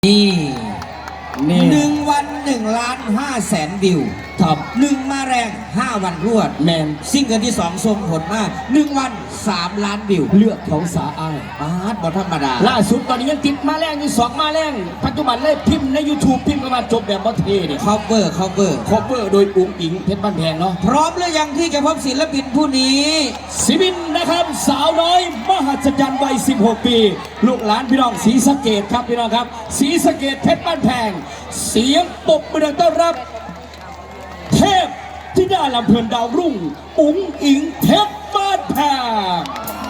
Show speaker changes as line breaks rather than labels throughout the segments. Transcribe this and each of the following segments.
นี่1 วัน1,500,000 วิวท็อป1 มาแรง5 วันรวด
แมน
ซิ่งเกิลที่2ส่งผลมา1 วัน3 ล้านวิว
เลือกของสาอ้าย
ปาดบอธรรมดา
ล่าสุดตอนนี้ยังติดมาแรงอยู่2 มาแรงปัจจุบันเลยพิมพ์ใน YouTube พิมพ์กันมาจบแบบบอเทเนี่ย
คอเวอร์
โดยอุ๋งอิงเพชรบ้านแพงเนาะ
พร้อมหรือยังที่จะพบศิลปินผู้นี้
ศิบินนะครับสาวน้อยมหัศจรรย์วัย16 ปีลูกหลานพี่น้องศรีสะเกษครับพี่น้องครับศรีสะเกษเพชรบ้านแพงเสียงปรบมือต้อนรับเทพที่ได้ลำเพลินดาวรุ่งอุ๋งอิงเพชรบ้านแพง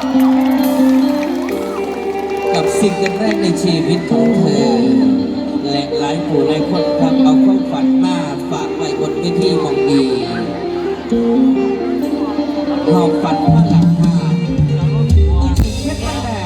กับซิงเกิลแรกในชีวิตของเธอและหลายผู้หลายคนครับเอาความฝันมาฝากไว้บนเวทีมองดีหอบฝันมาหลังคาอุ๋งอิงเพชรบ้านแพง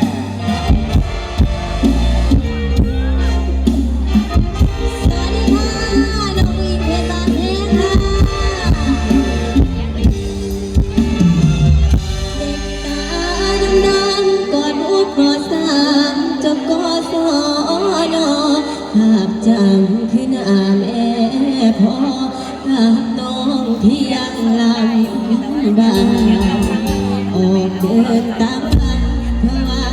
ภาพจำขึ้นอาแม่พ่อกับน้องที่ยังลำบากออกเดินตามกันเพราะว่า